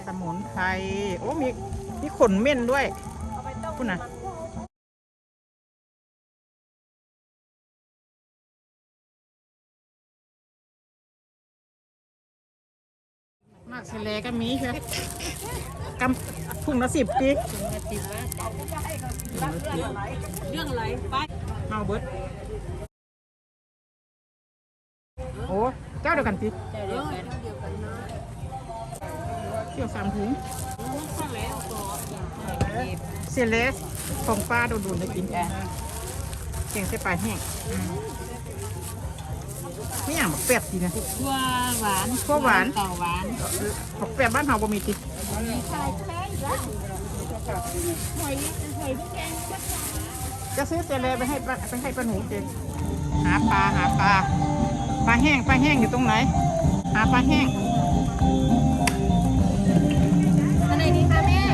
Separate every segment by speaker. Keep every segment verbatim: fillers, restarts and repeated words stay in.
Speaker 1: สมุนไพรโอ้มีมีขนเม่นด้วยคุณนะมากเสลก็มีใช่ไหมกำถุงละสิบปี
Speaker 2: เรื่องอะไรไป
Speaker 1: เมาเบิร์ดโอ้เจ้าเดียวกันสิ
Speaker 2: เดียวกันเดียวกันนะ
Speaker 1: เที่ยวสามถุง
Speaker 2: สั่งแล้วก็
Speaker 1: เซเลสของป้าโดนๆได้กินแกเก่งเส้นปลาแห้งไม่อย่างแบบแปบดีนะ
Speaker 2: ทั่วหวาน
Speaker 1: ทั่วหวาน
Speaker 2: ต่อหวาน
Speaker 1: แบบแปบบ้านเฮาบ่มีติจะซื้อเจเลไปให้ไปให้ป้าหนูเจงหาปลาหาปลาปลาแห้งปลาแห้งอยู่ตรงไหนหาปลาแห้ง
Speaker 2: อันไหนดีคะแม่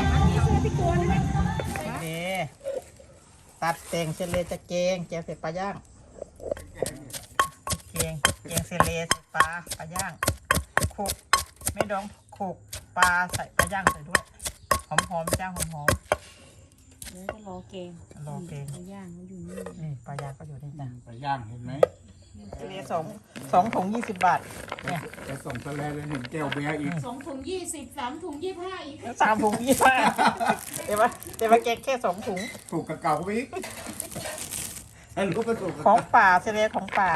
Speaker 1: นี่ตัดแต่งเจเลจะเกงแกงเสร็จปลาย่างเกงเกงเซเลใส่ปลาปลาย่างโขกไม่ดองโขกปลาใส่ปลาย่างใส่ด้วยหอมหอมจ้างหอมหอม
Speaker 2: เดี๋ยวจะรอเกง
Speaker 1: รอเกง
Speaker 2: ปลาย่างมันอยู่นี่
Speaker 1: นี่ปลาย่างก็อยู่นี่จ้ะ
Speaker 3: ปลาย่างเห็นไหม
Speaker 1: เซเลสองสองถุงยี่สิบบาทเนี่ย
Speaker 3: จะส่งทะเลเลยเห็นแก้วเบียร์อีก
Speaker 2: สองถุงยี่สิบสามถุงยี่ห้าอีก
Speaker 1: สามถุงยี่ห้าเดี๋ยวมาเดี๋ยวมาแกงแค่สองถุง
Speaker 3: ถูกกับเก่าไปอีกลูกก็ถูก
Speaker 1: ของป่าเซเลของป่า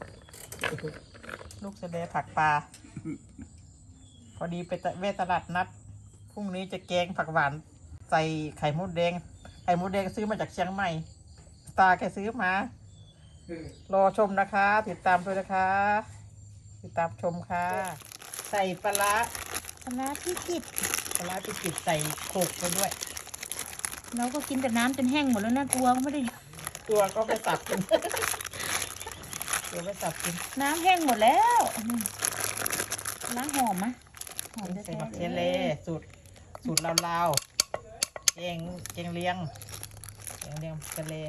Speaker 1: ลูกเซเลผักปลาพอดีไปเวทตลาดนัดพรุ่งนี้จะแกงผักหวานใส่ไข่มดแดงไข่มดแดงซื้อมาจากเชียงใหม่ตาแกซื้อมารอชมนะคะติดตามด้วยนะคะติดตามชมค่ะใส่ปลา
Speaker 2: ปลาที่กิด
Speaker 1: ปลาที่กิดใส่โขกไปด้วย
Speaker 2: เราก็กินแต่น้ำจนแห้งหมดแล้วนะตัวก็ไม่ได้
Speaker 1: ตัวก็ไปสับกินตัวไปสับกิน
Speaker 2: น้ำแห้งหมดแล้วล้างหอมมะ
Speaker 1: หอมใส่บักเชลเล่สูตรสูตรลาวๆเองเกงเลียงเกงเลียงเชลเล่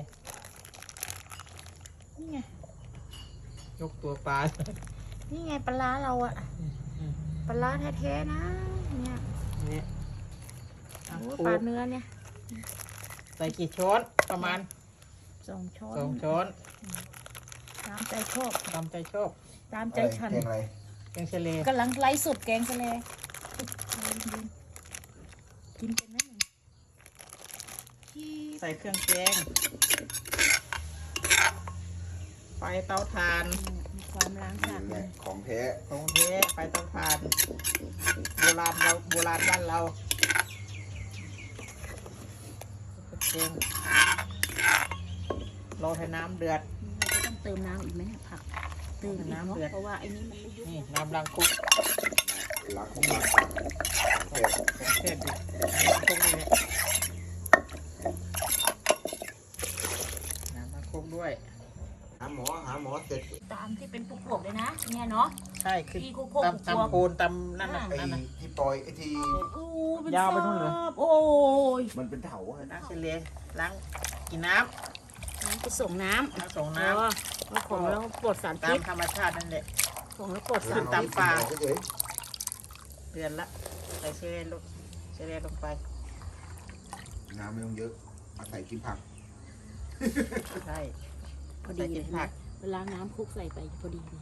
Speaker 2: นี่ไง
Speaker 1: ยกตัวปลา
Speaker 2: นี่ไงปลาเราอะปลาแท้ๆนะเนี่ย
Speaker 1: นี่
Speaker 2: ปลาเนื้อเนี่ย
Speaker 1: ใส่กี่ช้อนประมาณ
Speaker 2: สองช้อน
Speaker 1: สองช้อน
Speaker 2: ตามใจชอบ
Speaker 1: ตามใจชอบ
Speaker 2: ตามใจฉัน
Speaker 3: แกงอะไร
Speaker 1: แกงเชลเล่
Speaker 2: กำลังไล่สุดแกงเชลเล่กินเป็นไหมหนึ่ง
Speaker 1: ใส่เครื่องแกงไฟเตาถ่าน
Speaker 2: มีความล้างสะอาด
Speaker 3: ของแท้
Speaker 1: ของแท้ไฟเตาถ่านโบราณเราโบราณบ้านเราแกงรอให้น้ำเดือด
Speaker 2: เราต้องเติมน้ำอีกไหมผักเติมน้ำเดือดเพราะว่าไอ้นี้มันไม่ยุ่ง
Speaker 1: นี่น้ำล้างคุก
Speaker 3: ล้างคุกล้าง
Speaker 1: เผ็ดเผ็ดดิล้างคุกนี่น้ำล้างคุกด้วย
Speaker 3: หาหมอหาหมอเสร็จ
Speaker 2: ตามที่เป็นพวกๆเลยนะเนี่ยเนาะ
Speaker 1: ใช่คือตำตำโคนตำนั่นน่ะ
Speaker 3: ไอ้ที่ปล่อยไอ้ที่
Speaker 1: ยาวไปนู่นเลย
Speaker 2: โอ้ย
Speaker 3: มันเป็นเถา
Speaker 1: น้ำเฉลี่ยล้างกินน้
Speaker 2: ำไปส่งน้ำ
Speaker 1: น้ำส่งน้
Speaker 2: ำของแล้วปลดสารพิษ
Speaker 1: ตามธรรมชาตินั่นแหละ
Speaker 2: ของแล้วปลดสาร
Speaker 1: ตามปลาเดือนละใส่เชลล์ลงเชลล์ลงไป
Speaker 3: น้ำไม่ต้องเยอะอาศัยกินผัก
Speaker 1: ใช่
Speaker 2: พอดีเลยนะเวลาน้ำคลุกใส่ไปพอดีเลย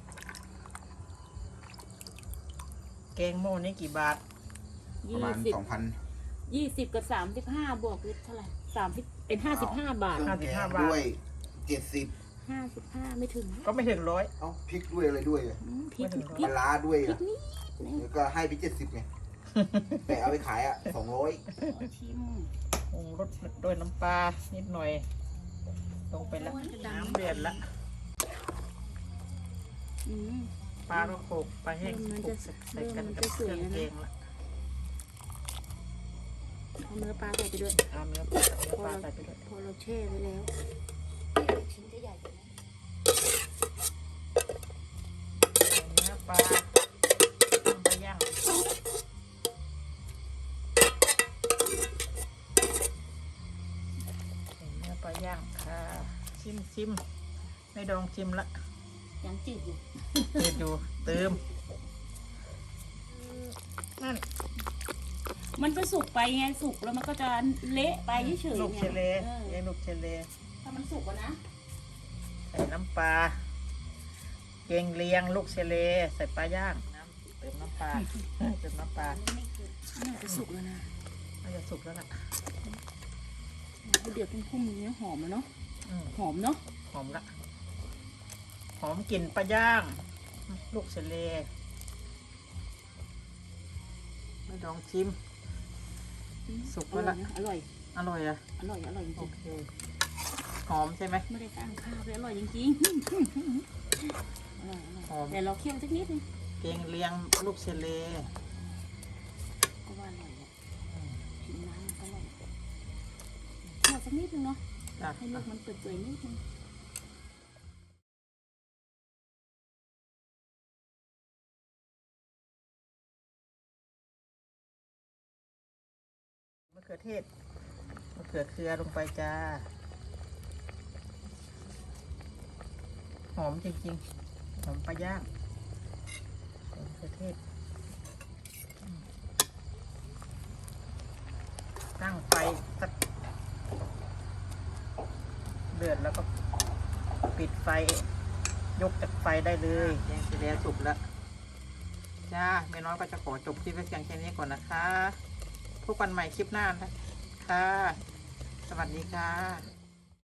Speaker 1: แกงโม่นี่กี่บาท
Speaker 3: ประมาณสองพัน
Speaker 2: ยี่สิบกับสามสิบห้าบวกเท่าไหร่สามสิบเป็นห้าสิบห้าบาท
Speaker 1: ห้าสิบห้าบาท
Speaker 3: ด้วยเจ็ดสิบ
Speaker 2: ห้าสิบห้าไม่ถึง
Speaker 1: ก็ไม่ถึงร้อย
Speaker 3: เอ้าพริกด้วยอะไรด้วย
Speaker 2: พริก
Speaker 3: ปลาด้วยอ่ะแล้วก็ให้ไปเจ็ดสิบไงแต่เอาไปขายอ่ะสองร้อย
Speaker 2: ชิม
Speaker 1: ปรุงรสด้วยน้ำปลานิดหน่อยลงไปแล้วน้ำเดือดละปลาก็โขกปลาแห้งโขกใส่กันกับเครื่องแกงละ
Speaker 2: เอาเนื้อปลาใส่ไปด้วย
Speaker 1: เอาเนื้อปลาใส่ไปด้วย
Speaker 2: พอเราแช่ไว้แล้วชิ้นก็ใหญ่นะ
Speaker 1: เนื้อปลาปลาย่างเนื้อปลาย่างค่ะชิมชิมไม่ดองชิมละ
Speaker 2: ยังจืดอยู่
Speaker 1: จืดอยู่เติมนั่น
Speaker 2: มันก็สุกไปไงสุกแล้วมันก็จะเละไปเฉยๆ
Speaker 1: ลูกเชเล
Speaker 2: เออ
Speaker 1: แกงลูกเชเล
Speaker 2: ถ้ามันสุกอะนะ
Speaker 1: ใส่น้ำปลาแกงเลียงลูกเชเล ใส่ปลาย่างน้ำเติมน้ำปลาเติมน้ำปลา
Speaker 2: น่าจะสุกแล้วนะ
Speaker 1: น่าจะสุกแล้วล่ะ
Speaker 2: เดือดพุ่มๆนี้หอมแล้วเนาะ
Speaker 1: อืม
Speaker 2: หอมเนาะ
Speaker 1: หอมละหอมกลิ่นปลาย่าง ลูกเชเลไม่ลองชิม สุกแล้วล่ะ
Speaker 2: อร่อย
Speaker 1: อร่อยอะ
Speaker 2: อร่อยอร่อยจ
Speaker 1: โอ
Speaker 2: ริง
Speaker 1: เคหอมใช่ไหม
Speaker 2: ๆไม่ได้ตั้งข้าวเลยอร่อยจริงๆอร่อยอร่อย
Speaker 1: หอม
Speaker 2: แต่เราเคี่ยวสักนิดนึง
Speaker 1: แกงเลียงลูกเชเล
Speaker 2: ก็ว่าอร่อยแหละชิมน้ำมันก็อร่อยเคี่ยวสักนิดนึงเนาะ
Speaker 1: จ้ะ
Speaker 2: ให้ลูกมันเปื่อยๆนิดนึง
Speaker 1: มะเขือเทศมะเขือเคือลงไปจ้า หอมจริงๆ หอมปลาย่างใส่มะเขือเทศอืมตั้งไฟสักเดือดแล้วก็ปิดไฟ ยกจากไฟได้เลยแกงเสร็จแล้วสุกแล้ว จ้าแม่น้อยก็จะขอจบคลิปไว้เพียงแค่นี้ก่อนนะคะพบกันใหม่คลิปหน้านะคะ สวัสดีค่ะ